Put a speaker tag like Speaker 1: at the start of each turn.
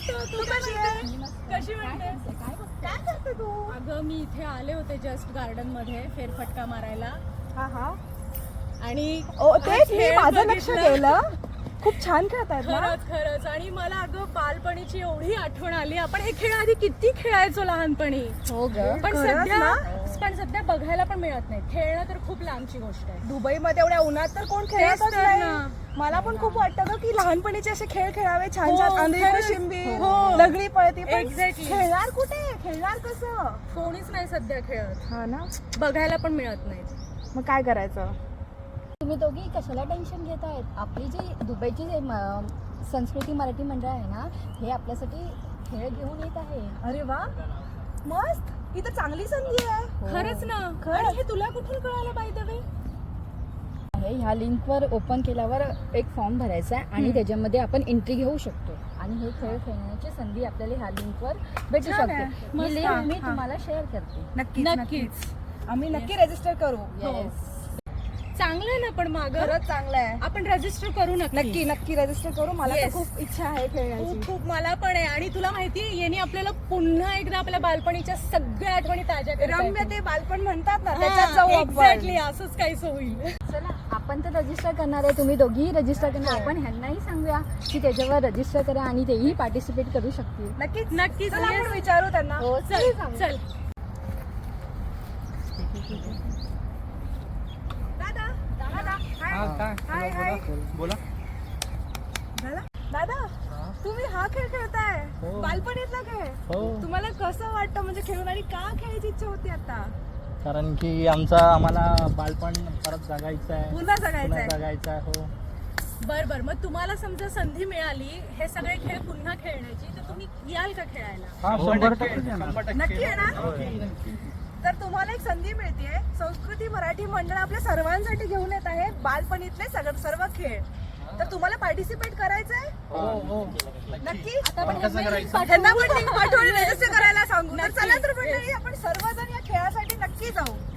Speaker 1: मस्त. तू कशी म्हणते?
Speaker 2: काय करते तू?
Speaker 1: अगं मी इथे आले होते जस्ट गार्डन मध्ये फेरफटका मारायला
Speaker 2: हा
Speaker 1: आणि
Speaker 2: तेच मी
Speaker 1: खेळ
Speaker 2: माझं लक्ष
Speaker 1: बघितलं.
Speaker 2: गेलं. खूप छान खेळतायत ना.
Speaker 1: खरंच आणि मला अगं बालपणीची एवढी आठवण आली. आपण हे खेळ आधी किती खेळायचो लहानपणी.
Speaker 2: हो ग.
Speaker 1: पण
Speaker 2: खरंच
Speaker 1: सध्या बघायला पण मिळत नाही. खेळणं तर खूप लांबची गोष्ट आहे.
Speaker 2: दुबई मध्ये एवढ्या उन्हात तर कोण खेळतच
Speaker 1: तेच तर
Speaker 2: नाही.
Speaker 1: ना.
Speaker 2: मला पण खूप वाटतं ग की लहानपणीचे असे खेळ खेळावे छान
Speaker 1: हो,
Speaker 2: छान. अंधेरी
Speaker 1: खरंच.
Speaker 2: शिंबी,
Speaker 1: हो.
Speaker 2: लगडी पळती. पण
Speaker 1: Exactly.
Speaker 2: खेळणार कुठे? खेळणार कसं?
Speaker 1: कोणीच नाही सध्या खेळत.
Speaker 2: हा ना.
Speaker 1: बघायला पण मिळत नाही.
Speaker 2: मग काय करायचं?
Speaker 3: तुम्ही दोघी कशाला टेन्शन घेत आहेत? आपली जी दुबईची जे संस्कृती मराठी मंडळ आहे ना, हे आपल्यासाठी खेळ घेऊन येत आहे.
Speaker 2: अरे वा, मस्त. ही तर चांगली संधी आहे.
Speaker 1: खरंच ना.
Speaker 2: खरंच.
Speaker 1: आणि हे तुला कुठून कळालं बाय द वे?
Speaker 3: ह्या लिंकवर ओपन केल्यावर एक फॉर्म भरायचा आहे आणि त्याच्यामध्ये आपण एंट्री घेऊ शकतो आणि हे खेळ खेळण्याची संधी आपल्याला ह्या लिंकवर भेटू
Speaker 2: छान आहे.
Speaker 3: शकते.
Speaker 1: मस्त.
Speaker 3: ही लिंक मी
Speaker 2: हा.
Speaker 3: तुम्हाला शेअर करते.
Speaker 1: नक्कीच.
Speaker 2: आम्ही नक्की रजिस्टर करू.
Speaker 3: Yes.
Speaker 1: चांगलं आहे ना. पण मागं
Speaker 2: खरंच चांगलं आहे.
Speaker 1: आपण रजिस्टर करू
Speaker 2: नक्की रजिस्टर करू. मला तर
Speaker 1: Yes.
Speaker 2: खूप इच्छा आहे खेळण्याची.
Speaker 1: खूप मला पण आहे. आणि तुला माहितीये यांनी आपल्याला पुन्हा एकदा आपल्या बालपणीच्या सगळ्या आठवणी ताज्या
Speaker 2: रम्य ते बालपण म्हणतात ना, त्याच्यात जाऊ आपण.
Speaker 1: एक्झॅक्टली असंच काहीच होईल.
Speaker 3: चला, आपण तर रजिस्टर करणार आहे, तुम्ही दोघीही रजिस्टर करणार. आपण ह्यांनाही सांगूया की त्याच्यावर रजिस्टर करा आणि तेही पार्टिसिपेट करू शकतील.
Speaker 1: नक्कीच
Speaker 2: चला
Speaker 1: yes.
Speaker 2: आपण विचारू त्यांना.
Speaker 3: हो,
Speaker 1: चल
Speaker 2: हाय.
Speaker 4: बोला.
Speaker 2: दादा, तुम्ही हा खेळ खेळताय?
Speaker 4: हो.
Speaker 2: बालपणीतला खेळ.
Speaker 4: हो.
Speaker 2: तुम्हाला कसं वाटतं म्हणजे खेळून आणि का खेळायची इच्छा होती आता?
Speaker 4: कारण की आम्हाला बालपण परत जगायचं आहे.
Speaker 2: पुन्हा जगायचं आहे.
Speaker 4: जगायचं आहे. हो.
Speaker 1: बर मग तुम्हाला समजा संधी मिळाली हे सगळे खेळ पुन्हा खेळण्याची तर तुम्ही याल का खेळायला?
Speaker 4: हा, 100%
Speaker 2: नक्की आहे ना? तर तुम्हाला एक संधी मिळते. संस्कृती मराठी मंडळ आपल्या सर्वांसाठी घेऊन येत आहे बालपणीतले सर्व खेळ. तर तुम्हाला पार्टिसिपेट करायचंय?
Speaker 4: हो.
Speaker 2: नक्की.
Speaker 1: त्यांना
Speaker 2: त्यांना पण लिंक पाठवून रजिस्टर करायला सांगू. तर चला तर मंडळी, आपण सर्वजण या खेळासाठी नक्की जाऊ.